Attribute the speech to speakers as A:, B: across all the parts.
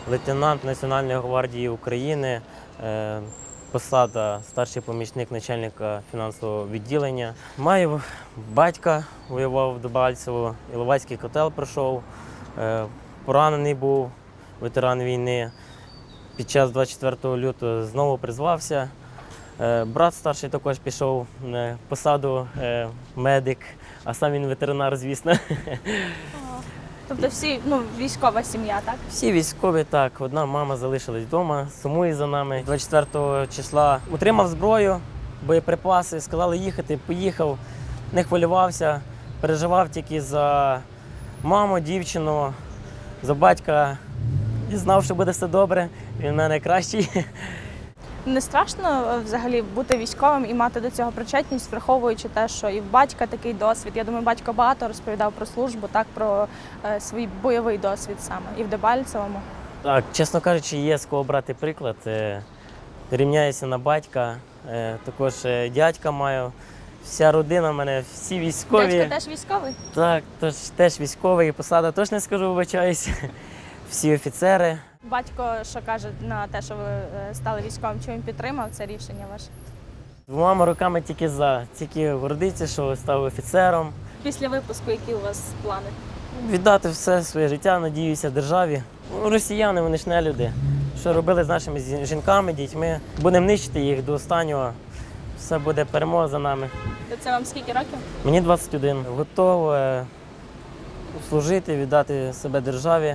A: лейтенант Національної гвардії України, посада старший помічник начальника фінансового відділення. Маю батька, воював в Дебальцево, Іловайський котел пройшов, поранений був, ветеран війни. Під час 24 лютого знову призвався. Брат старший також пішов на посаду медик, а сам він ветеринар, звісно.
B: Тобто всі, військова сім'я, так?
A: Всі військові, так. Одна мама залишилась вдома, сумує за нами. 24 числа утримав зброю, боєприпаси, сказали їхати, поїхав, не хвилювався, переживав тільки за маму, дівчину, за батька. І знав, що буде все добре, він в мене найкращий.
B: Не страшно взагалі бути військовим і мати до цього причетність, враховуючи те, що і в батька такий досвід. Я думаю, батько багато розповідав про службу, так, про свій бойовий досвід саме, і в Дебальцевому.
A: Так, чесно кажучи, є з кого брати приклад. Рівняюся на батька, також дядька маю. Вся родина в мене, всі військові.
B: Дядько теж військовий?
A: Так, теж військовий, посада теж не скажу, вибачаюсь. Всі офіцери.
B: Батько, що каже на те, що ви стали військовим, чи він підтримав це рішення ваше?
A: Двома руками тільки за. Тільки гордиться, що став офіцером.
B: Після випуску які у вас плани?
A: Віддати все своє життя, надіюся, державі. Росіяни, вони ж не люди. Що робили з нашими жінками, дітьми. Будемо нищити їх до останнього. Все буде перемога за нами.
B: Це вам скільки років?
A: Мені 21. Готовий служити, віддати себе державі.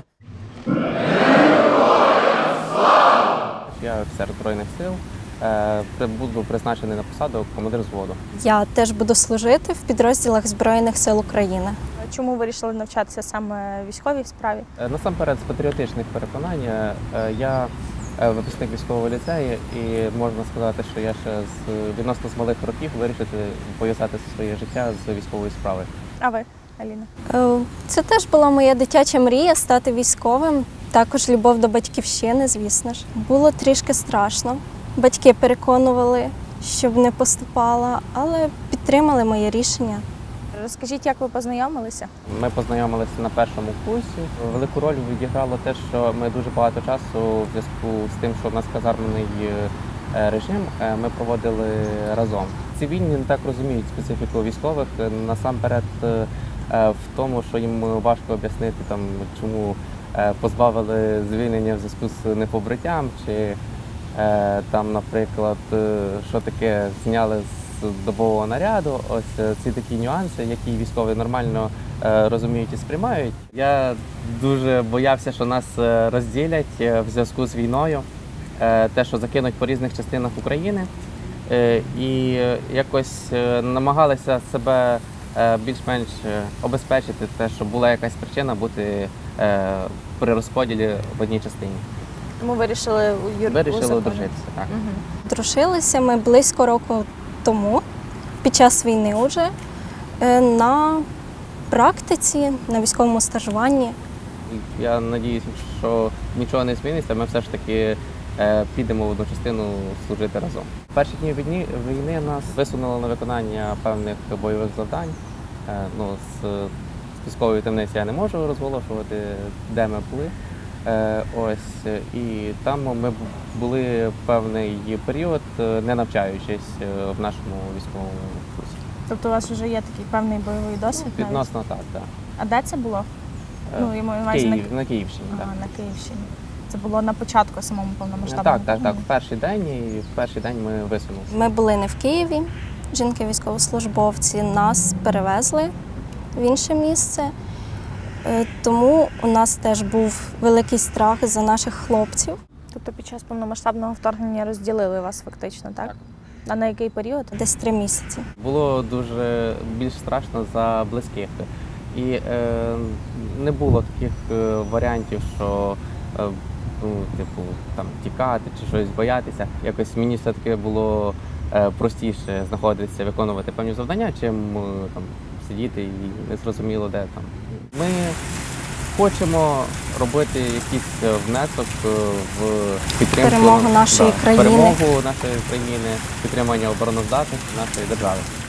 C: Я офіцер Збройних сил, буду призначений на посаду командир взводу.
D: Я теж буду служити в підрозділах Збройних сил України.
B: Чому вирішили навчатися саме військовій справі?
C: Насамперед, з патріотичних переконань, я випускник військового ліцею і можна сказати, що я ще відносно з малих років вирішити пов'язати своє життя з військовою справою.
B: А ви, Аліна?
D: Це теж була моя дитяча мрія стати військовим. Також любов до батьківщини, звісно ж. Було трішки страшно. Батьки переконували, щоб не поступала, але підтримали моє рішення.
B: Розкажіть, як ви познайомилися?
C: Ми познайомилися на першому курсі. Велику роль відіграло те, що ми дуже багато часу в зв'язку з тим, що в нас казарменний режим, ми проводили разом. Цивільні не так розуміють специфіку військових, насамперед в тому, що їм важко об'яснити, чому позбавили звільнення в зв'язку з непобриттям, чи наприклад, що таке зняли з добового наряду. Ось ці такі нюанси, які військові нормально розуміють і сприймають. Я дуже боявся, що нас розділять в зв'язку з війною, те, що закинуть по різних частинах України. І якось намагалися себе більш-менш обезпечити те, що була якась причина бути при розподілі в одній частині.
B: Тому вирішили
C: Вирішили одружитися, так.
B: Угу.
D: Дружилися ми близько року тому, під час війни вже, на практиці, на військовому стажуванні.
C: Я сподіваюся, що нічого не зміниться, ми все ж таки підемо в одну частину служити разом. В перші дні війни нас висунули на виконання певних бойових завдань. З військової таємниці я не можу розголошувати, де ми були. І там ми були певний період, не навчаючись в нашому військовому курсі.
B: Тобто у вас вже є такий певний бойовий досвід?
C: Відносно так, так.
B: А де це було?
C: На Київщині.
B: Ага, на Київщині. Це було на початку самому повномасштабному?
C: Так. В перший день ми висунулися.
D: Ми були не в Києві, жінки-військовослужбовці, нас перевезли в інше місце. Тому у нас теж був великий страх за наших хлопців.
B: Тобто під час повномасштабного вторгнення розділили вас фактично, так?
C: Так.
B: А на який період?
D: Десь 3 місяці.
C: Було дуже більш страшно за близьких. І не було таких варіантів, що тікати чи щось боятися. Якось мені все-таки було простіше знаходитися, виконувати певні завдання, чим сидіти і не зрозуміло де там. Ми хочемо робити якийсь внесок в підтримку
D: перемогу нашої країни,
C: підтримання обороноздатності нашої держави.